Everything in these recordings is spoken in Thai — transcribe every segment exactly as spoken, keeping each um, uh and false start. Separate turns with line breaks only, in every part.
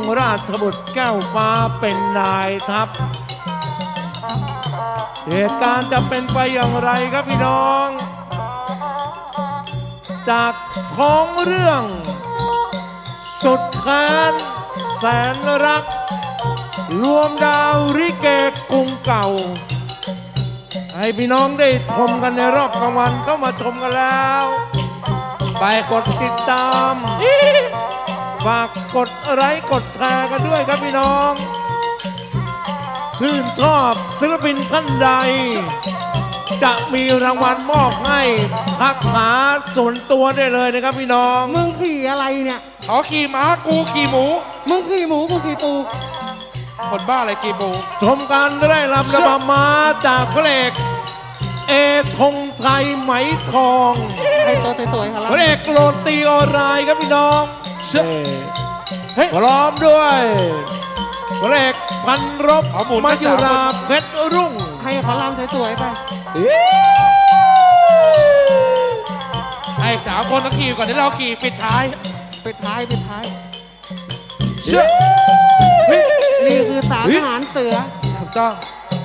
ราชบุตรแก้วฟ้าเป็นนายทัพเหตุการณ์จะเป็นไปอย่างไรครับพี่น้อง จากของเรื่องสุดแค้นแสนรักรวมดาวริเกกรุงเก่าให้พี่น้องได้ชมกันในรอบกลางวันก็มาชมกันแล้วไปกดติดตามฝากกดไลค์กดแชร์กันด้วยครับพี่น้องชื่นชอบศิลปินท่านใดจะมีรางวัลมอบให้ทักหาส่วนตัวได้เลยนะครับพี่น้อง
มึงขี่อะไรเนี่ย
เขาขี่ม้ากูขี่หมู
มึงขี่หมูกูขี่ปู
คนบ้าอะไรขี่หมู
ชมการได้รับระบำม้าจากพระเอกเอธงไทยไหมทอง
ให้ตัวสวยๆครับ
พระเอกโรตีออนไลน์ครับพี่น้องพร้อมด้วยพระเอกพันรบมายุราเพชรรุ่ง
ให้เขาลำสวยๆไป
ให้สาวคนต้องขี่ก่อนที่เราขี่ปิดท้าย
ปิดท้ายปิดท้ายนี่คือสามทหารเสือ
ถูกต้อง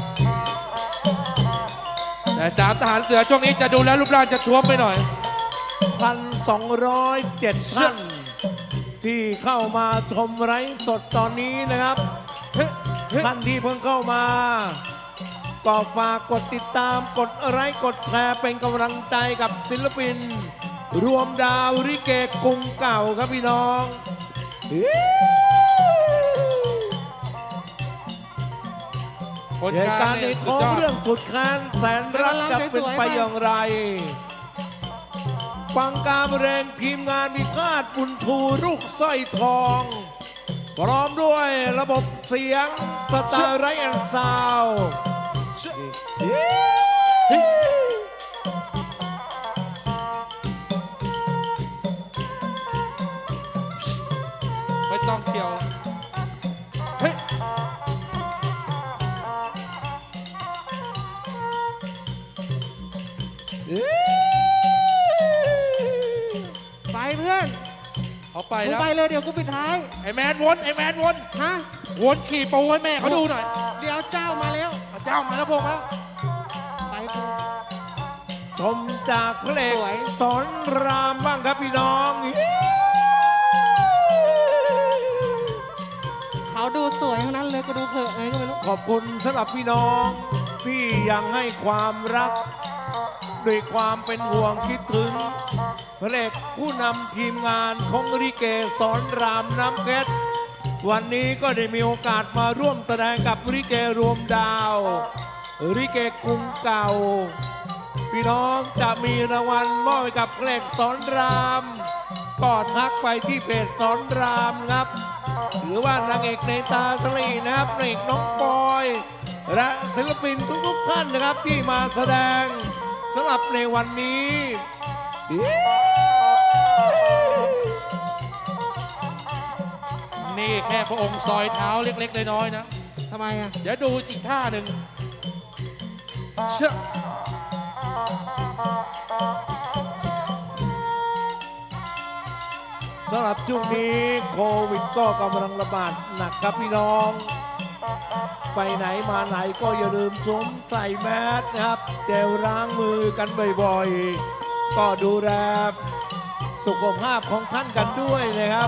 แต่สามทหารเสือช่วงนี้จะดูแลรูปร่างจะท้วมไปหน่อย
พันสองร้อยเจ็ดท่านที่เข้ามาชมไลฟ์สดตอนนี้นะครับท่านที่เพิ่งเข้ามาก็ฝากกดติดตามกดไลค์กดแชร์เป็นกำลังใจกับศิลปินรวมดาวริเกกรุงเก่าครับพี่น้องเหตุการณ์ในท้องเรื่องสุดแค้นแสนรักจะเป็นไปอย่างไรฟังการแรงทีมงานมีคาดบุญทูลูกสร้อยทองพร้อมด้วยระบบเสียงสตาร์ไรแอนซาว
ไม่ต้องเกี่ยวเฮ้ย
ไปเพื่อน
เขาไปแล้ว
ไปเลยเดี๋ยวกูปิดท้าย
ไอแมนวนไอแมนวน
ฮะ
วนขี่ปูให้แม่เขาดูหน่อย
เดี๋ยวเจ้ามาแล้ว
เจ้ามาแล้วพงแล้ว
ไปกู
ชมจากเพลงสอนรามบ้างครับพี่น้อง
เขาดูสวยทั้งนั้นเลยก็ดูเผลอไงก็ไม่รู้
ขอบคุณสำหรับพี่น้องที่ยังให้ความรักด้วยความเป็นห่วงคิดถึงพระเอกผู้นำทีมงานของริเกสอนรามน้ำเพชรวันนี้ก็ได้มีโอกาสมาร่วมแสดงกับริเกรวมดาวริเกกรุงเก่าพี่น้องจะมีรางวัลมอบให้กับพระเอกสอนรามก็ทักไปที่เพจสอนรามครับหรือว่านางเอกในตาสลีนะครับนางเอกน้องปอยและศิลปินทุกๆท่านนะครับที่มาแสดงสำหรับในวันนี้
นี่แค่พระองค์ซอยเท้าเล็กๆน้อยๆนะ
ทำไมอ่ะ
เดี๋ยวดูอีกท่าหนึ่งเชื่อ
สำหรับช่วงนี้โควิดก็กำลังระบาดหนักครับพี่น้องไปไหนมาไหนก็อย่าลืมสวมใส่แมสนะครับเจลล้างมือกันบ่อยๆก็ดูแลสุขภาพของท่านกันด้วยนะครับ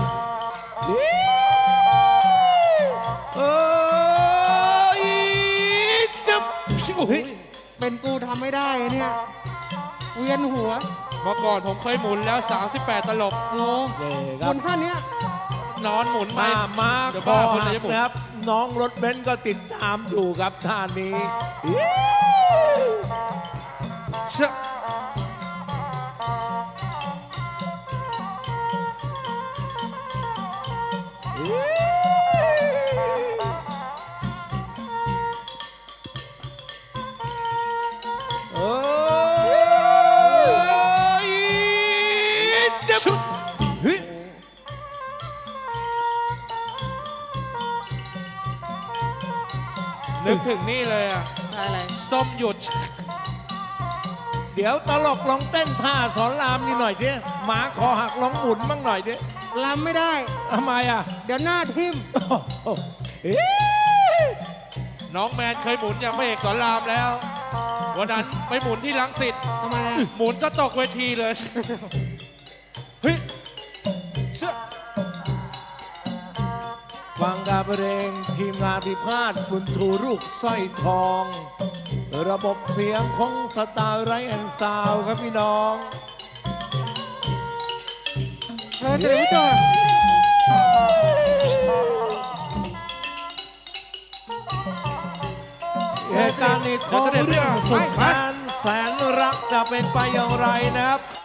เอ้ยจับ
เป็นกูทำไม่ได้เนี่ยเวียนหัว
เมื่อก่อนผมเคยหมุนแล้วสามสิบแปดตลบ
โอ้คนท่านเนี้ย
นอนหมุน
มามาคอหักนะครับน้องรถเบนซ์ก็ติดตามอยู่ครับท่านนี้เชื่อ
นึกถึงนี่เลยอ่ะ
อะไร
ส้มหยุด
เดี๋ยวตลกลองเต้นท่าสอนรามนี่หน่อยดิหมาคอหักลองหมุนบ้างหน่อยดิ
ลำไม่ได้
ทำไมอ่ะ
เดี๋ยวหน้าทิ่ม
โอ้โหเอ๊ะ
น้องแมนเคยหมุนอย่างพระเอกสอนรามแล้ว วันนั้นไปหมุนที่ลังสิต
ทำไมอะ
หมุนจะตกเวทีเลย เฮ้ยเชื่อ
ฟังการเพลงทีมงานพิพาทบุญทูลูกสร้อยทอง ระบบเสียงของสตาร์ไรแอนซาวครับพี่น้อง
เชิญเฉลิมจอด
เหตุการณ์นี้ของเรื่องสุดแสนแสนรักจะเป็นไปอย่างไรนะครับ